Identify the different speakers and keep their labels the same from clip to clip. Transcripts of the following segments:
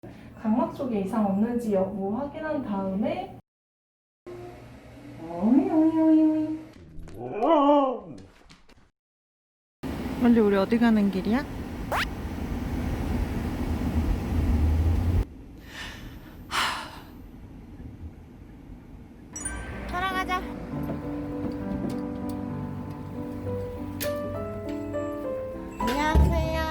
Speaker 1: 각막 쪽에 이상 없는지 여부 확인한 다음에
Speaker 2: 원래 우리 어디 가는 길이야? 돌아가자. 안녕하세요.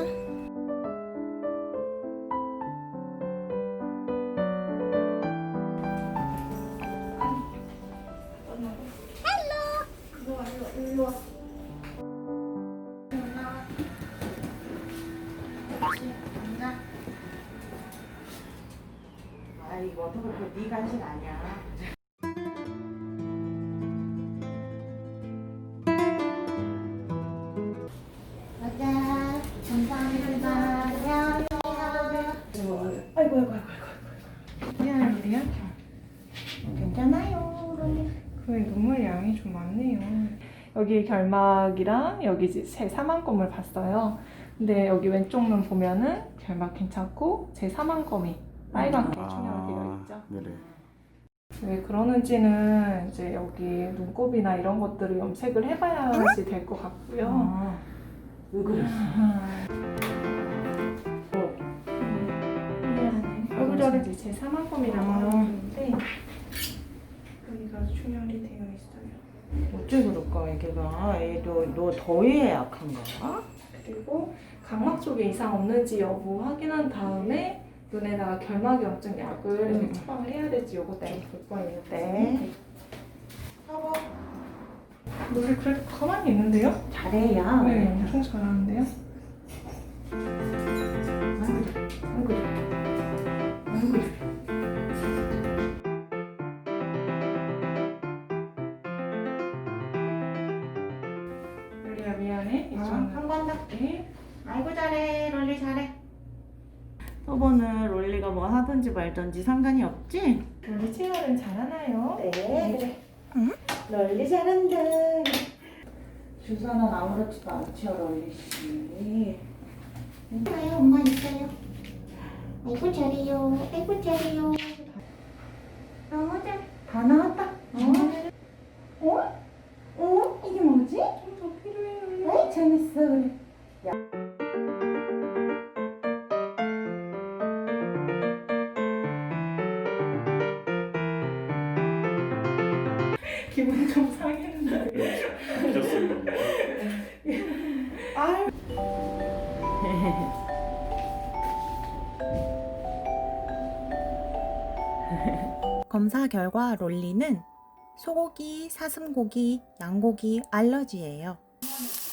Speaker 1: 일로 와.
Speaker 2: 아 이거 어떻게 네 간식 아니야?
Speaker 3: 맞아. 감사합니다. 안녕하세요.
Speaker 1: 아이고. 미안한 일이야?
Speaker 3: 괜찮아요.
Speaker 1: 그래, 눈물 양이 좀 많네요. 여기 결막이랑 여기 제 사망검을 봤어요. 근데 여기 왼쪽 눈 보면은 결막 괜찮고 제 사망검이 빨갛게 충혈되어 있죠.
Speaker 4: 네네.
Speaker 1: 왜 그러는지는 이제 여기 눈곱이나 이런 것들을 염색을 해봐야지 될 것 같고요.
Speaker 2: 왜 그랬어?
Speaker 1: 여기가 이제 제 사망검이라고 하는데 여기가 충혈이 되어 있어요.
Speaker 2: 어째 그럴까 애기가? 애도 너 더위에 약한가?
Speaker 1: 그리고 각막 쪽에 이상 없는지 여부 확인한 다음에 눈에다가 결막염증 약을 처방을 해야 될지 요거 때문에 볼 거예요.
Speaker 2: 네.
Speaker 1: 여보, 우리 그래도 가만히 있는데요?
Speaker 2: 잘해요.
Speaker 1: 네, 엄청 잘하는데요?
Speaker 2: 아이고.
Speaker 1: 롤리야 미안해.
Speaker 2: 한 번 더.
Speaker 1: 네.
Speaker 2: 아이고 잘해. 롤리 잘해. 저번은 롤리가 뭐 하든지 말든지 상관이 없지?
Speaker 1: 롤리 체열은 잘하나요?
Speaker 2: 네. 그래. 롤리 잘한다. 주사는 아무렇지도 않죠, 롤리 씨.
Speaker 3: 있어요. 엄마 있어요. 아이고 잘해요. 아이고 잘해요. 너무 잘.
Speaker 2: 다 나왔다.
Speaker 3: 이게 뭐지?
Speaker 1: 좀 더 필요해요.
Speaker 3: 아이 재밌어. 그래.
Speaker 1: 기분 좀 상했는데.
Speaker 4: 미쳤습니다.
Speaker 1: 아유.
Speaker 5: 검사 결과 롤리는 소고기, 사슴고기, 양고기 알러지예요.